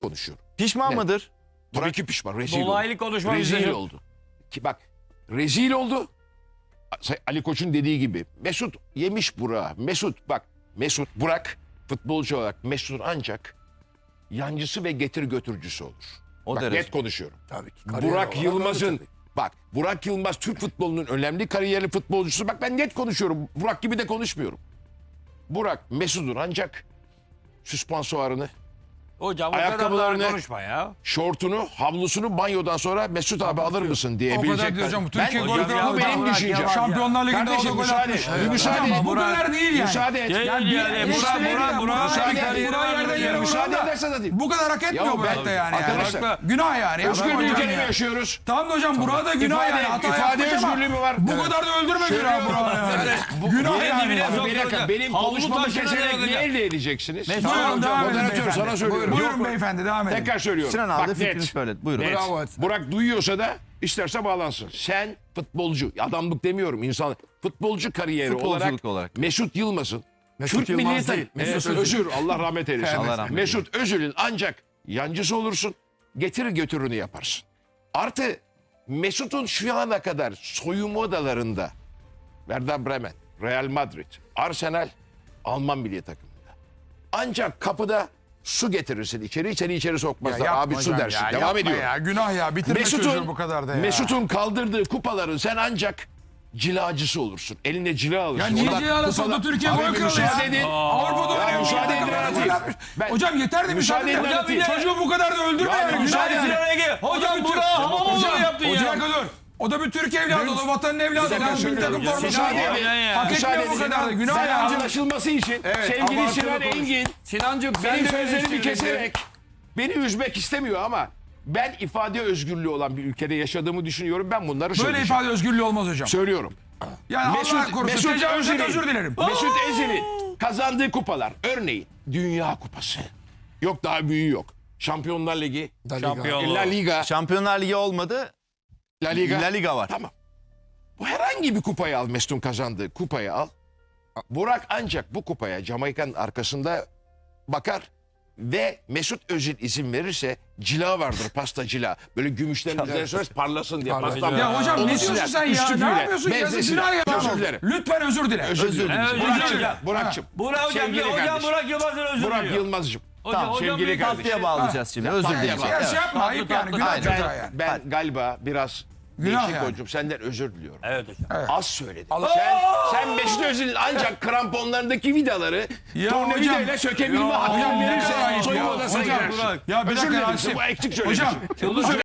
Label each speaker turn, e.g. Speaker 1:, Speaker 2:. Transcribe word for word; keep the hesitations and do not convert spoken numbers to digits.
Speaker 1: konuşuyorum.
Speaker 2: Pişman
Speaker 1: Net.
Speaker 2: mıdır?
Speaker 1: Tabii ki pişman. Rezil
Speaker 3: Dolaylı
Speaker 1: oldu.
Speaker 3: konuşma
Speaker 1: Rezil
Speaker 3: bize-
Speaker 1: oldu. Ki bak rezil oldu. Ali Koç'un dediği gibi Mesut yemiş Burak'ı. Mesut bak Mesut Burak futbolcu olarak Mesut ancak yancısı ve getir götürücüsü olur.
Speaker 2: O
Speaker 1: bak
Speaker 2: derece.
Speaker 1: net konuşuyorum.
Speaker 4: Tabii ki. Kariyer
Speaker 1: Burak
Speaker 4: olarak
Speaker 1: Yılmaz'ın
Speaker 4: öyle tabii.
Speaker 1: bak Burak Yılmaz Türk futbolunun önemli kariyerli futbolcusu. Bak ben net konuşuyorum. Burak gibi de konuşmuyorum. Burak Mesut'un ancak süspansuarını,
Speaker 3: Hocam o kadar
Speaker 1: Ayakkabılarını-
Speaker 3: daha konuşma ya.
Speaker 1: şortunu, havlusunu banyodan sonra Mesut abi alır mısın diye
Speaker 5: O kadar
Speaker 1: bilecek.
Speaker 5: diyor hocam.
Speaker 1: Ben-
Speaker 5: Türkiye
Speaker 1: Ben-
Speaker 5: golü
Speaker 1: bu
Speaker 5: kralı
Speaker 1: benim
Speaker 3: Burak
Speaker 1: düşüncem.
Speaker 3: Yılmaz.
Speaker 5: Şampiyonlar Ligi'nde o da
Speaker 1: Kardeşim
Speaker 5: gol
Speaker 1: müsaade
Speaker 5: atmış.
Speaker 1: et. Müsaade
Speaker 5: Hocam,
Speaker 1: et.
Speaker 5: bu kadar değil yani.
Speaker 1: Müsaade et.
Speaker 3: Yani,
Speaker 5: Yani bir
Speaker 3: yani,
Speaker 5: eleştiri
Speaker 3: Burak,
Speaker 5: değil
Speaker 3: Burak,
Speaker 5: ya.
Speaker 3: Burak,
Speaker 5: Burak'ın
Speaker 1: müsaade
Speaker 5: kariyeri
Speaker 1: et.
Speaker 5: var, yerden yere
Speaker 1: Müsaade
Speaker 5: vuran da
Speaker 1: edersen de değil.
Speaker 5: bu kadar hak etmiyor
Speaker 1: Ya
Speaker 5: bu
Speaker 1: ben-
Speaker 5: hayatta yani.
Speaker 1: Arkadaşlar,
Speaker 5: Yani. Günah yani. Ya.
Speaker 1: Özgür bir
Speaker 5: Hocam
Speaker 1: ülkede mi
Speaker 5: ya.
Speaker 1: yaşıyoruz?
Speaker 5: Tamam da hocam Burak'a da günah
Speaker 1: İfade-
Speaker 5: yani. Hata
Speaker 1: ifade
Speaker 5: yapmış ama
Speaker 1: özgürlüğü mü var?
Speaker 5: bu
Speaker 1: Evet.
Speaker 5: kadar da öldürme günah
Speaker 1: Söylüyorum.
Speaker 5: Burak'a yani. Günah
Speaker 3: Benim
Speaker 5: yani.
Speaker 3: dibine
Speaker 1: Abi
Speaker 3: sok-
Speaker 1: bir dakika benim
Speaker 3: Havlu
Speaker 1: konuşmamı
Speaker 3: taşına
Speaker 1: keserek
Speaker 3: dayanacak.
Speaker 1: niye elde edeceksiniz?
Speaker 3: Mesut,
Speaker 5: Buyurun
Speaker 1: Hocam,
Speaker 5: devam edin
Speaker 1: moderatörüm
Speaker 5: beyefendi.
Speaker 1: sana söylüyorum.
Speaker 5: Buyurun
Speaker 1: Yok.
Speaker 5: beyefendi devam edin.
Speaker 1: Tekrar söylüyorum.
Speaker 2: Sinan abi de
Speaker 1: Bak
Speaker 2: fikrini
Speaker 1: net.
Speaker 2: söyle. Buyurun.
Speaker 1: Net.
Speaker 5: Bravo.
Speaker 1: Burak duyuyorsa da isterse bağlansın. Sen futbolcu, adamlık demiyorum insan. Futbolcu kariyeri
Speaker 2: Futbolculuk
Speaker 1: olarak,
Speaker 2: olarak.
Speaker 1: Mesut Yılmaz'ın
Speaker 4: Mesut
Speaker 1: Türk
Speaker 4: Yılmaz
Speaker 1: milli
Speaker 4: değil,
Speaker 1: takım-
Speaker 4: Mesut
Speaker 1: Evet,
Speaker 4: Özil.
Speaker 1: Özür Allah rahmet eylesin.
Speaker 2: Allah rahmet
Speaker 1: Mesut Özil'in ancak yancısı olursun. Getir götürünü yaparsın. Artı Mesut'un şu ana kadar soyunma odalarında Werder Bremen, Real Madrid, Arsenal, Alman milli takımında. Ancak kapıda su getirirsin içeri, seni içeri sokmazlar.
Speaker 5: yapma
Speaker 1: Abi su
Speaker 5: hocam
Speaker 1: dersin.
Speaker 5: ya,
Speaker 1: Devam
Speaker 5: yapma
Speaker 1: ediyor.
Speaker 5: ya. Günah ya. Bitirme çocuğu
Speaker 1: Mesut'un
Speaker 5: bu kadar da ya.
Speaker 1: Mesut'un kaldırdığı kupaların sen ancak cilacısı olursun. Eline cila alırsın.
Speaker 5: Ya niye
Speaker 1: Orada
Speaker 5: Cilal'a soktu
Speaker 1: kupalar-
Speaker 5: Türkiye
Speaker 1: Abi
Speaker 5: gol kralı
Speaker 1: müsaade
Speaker 5: ya?
Speaker 1: edin.
Speaker 5: Avrupa'da
Speaker 1: Ya
Speaker 5: oynuyor.
Speaker 1: müsaade edin,
Speaker 5: Gol
Speaker 1: anlatayım.
Speaker 5: atmış.
Speaker 1: Ben-
Speaker 5: Hocam yeter de
Speaker 1: Müsaade
Speaker 5: müsaade
Speaker 1: edin,
Speaker 5: edin.
Speaker 1: anlatayım.
Speaker 5: Çocuğu bu kadar da öldürme
Speaker 1: Ya
Speaker 5: yani.
Speaker 1: müsaade
Speaker 5: Günah
Speaker 1: edin.
Speaker 5: yani.
Speaker 3: Hocam
Speaker 5: bütün-
Speaker 3: Burak Hamamoğlu'nu
Speaker 5: Hocam,
Speaker 3: yaptın
Speaker 5: Hocam
Speaker 3: ya.
Speaker 5: dur. O da bir Türk evladı, o da vatanın evladı.
Speaker 1: dakika
Speaker 5: O da bir
Speaker 1: söylüyorum.
Speaker 5: takım
Speaker 1: Ya
Speaker 5: forması
Speaker 1: müsaade
Speaker 5: var.
Speaker 1: edin.
Speaker 5: Hak
Speaker 1: Müsaade
Speaker 5: etmiyor bu
Speaker 1: edin.
Speaker 5: kadar da. Günah
Speaker 1: Ben
Speaker 5: ya.
Speaker 1: anlaşılması için sevgili
Speaker 4: abartılı
Speaker 1: Sinan
Speaker 4: konuş.
Speaker 1: Engin
Speaker 4: Sinancığım
Speaker 1: benim
Speaker 4: ben de
Speaker 1: sözlerimi
Speaker 4: eleştirildim.
Speaker 1: keserek beni üzmek istemiyor ama ben ifade özgürlüğü olan bir ülkede yaşadığımı düşünüyorum. Ben bunları
Speaker 5: Böyle
Speaker 1: söyleyeceğim.
Speaker 5: ifade özgürlüğü olmaz hocam.
Speaker 1: Söylüyorum.
Speaker 5: Yani Allah korusun tecavüzden
Speaker 1: Özil'in-
Speaker 5: özür dilerim.
Speaker 1: Mesut Özil'in kazandığı kupalar. Örneğin Dünya Kupası. Yok daha büyüğü yok. Şampiyonlar Ligi,
Speaker 4: La Liga.
Speaker 3: Şampiyon.
Speaker 1: La Liga,
Speaker 2: Şampiyonlar Ligi olmadı.
Speaker 1: La Liga.
Speaker 2: La Liga var.
Speaker 1: Tamam. Bu herhangi bir kupayı al, Mesut'un kazandığı kupayı al. Burak ancak bu kupaya Jamaika'nın arkasında bakar ve Mesut Özil izin verirse cila vardır, pasta cila. Böyle gümüşlerin üzerine süreriz, parlasın diye.
Speaker 4: Parlasın.
Speaker 1: Pastan
Speaker 5: Ya hocam
Speaker 1: Onu
Speaker 5: ne diyorsun
Speaker 1: siler,
Speaker 5: sen ya?
Speaker 1: üstüpüyle,
Speaker 5: Ne yapıyorsun? Yazık
Speaker 1: mezesiyle.
Speaker 5: günah ya.
Speaker 1: Özür dilerim.
Speaker 5: Lütfen özür dile.
Speaker 1: Özür dilerim.
Speaker 3: Evet, özür
Speaker 1: Burak'cığım,
Speaker 3: dilerim.
Speaker 1: Burak'cığım.
Speaker 3: Burak hocam,
Speaker 1: Sevgili
Speaker 3: hocam
Speaker 1: kardeşim.
Speaker 3: Burak Yılmaz'ın özür
Speaker 1: Burak
Speaker 3: diliyor.
Speaker 1: Yılmaz'cığım.
Speaker 3: Hocam,
Speaker 1: Tamam,
Speaker 3: hocam
Speaker 1: sevgili
Speaker 3: bir
Speaker 1: kardeşim.
Speaker 2: Tatlıya bağlayacağız şimdi. Özür
Speaker 1: Tatlıya
Speaker 2: dileyeceğiz.
Speaker 1: bağlayacağız.
Speaker 5: Ya şey yapma ayıp yani. Günah
Speaker 1: Ben,
Speaker 5: çocuğa yani.
Speaker 1: ben galiba biraz
Speaker 5: Günah
Speaker 1: değişik
Speaker 5: yani.
Speaker 1: hocam. Senden özür diliyorum.
Speaker 3: Evet hocam.
Speaker 1: Az söyledim. Sen, sen Mesut Özil'in ancak kramponlarındaki vidaları
Speaker 5: Ya
Speaker 1: tornavidayla
Speaker 5: hocam-
Speaker 1: sökebilme
Speaker 5: Ya
Speaker 1: hakkı
Speaker 5: hocam, bir dakika
Speaker 1: verirse
Speaker 5: ayıp
Speaker 1: soyunma
Speaker 5: ya.
Speaker 1: odasına
Speaker 5: Hocam,
Speaker 1: girersin.
Speaker 5: Ya bir
Speaker 1: Özür
Speaker 5: dakika
Speaker 1: dilerim.
Speaker 5: Rasim.
Speaker 1: Bu eksik
Speaker 5: Hocam
Speaker 1: söylemişim.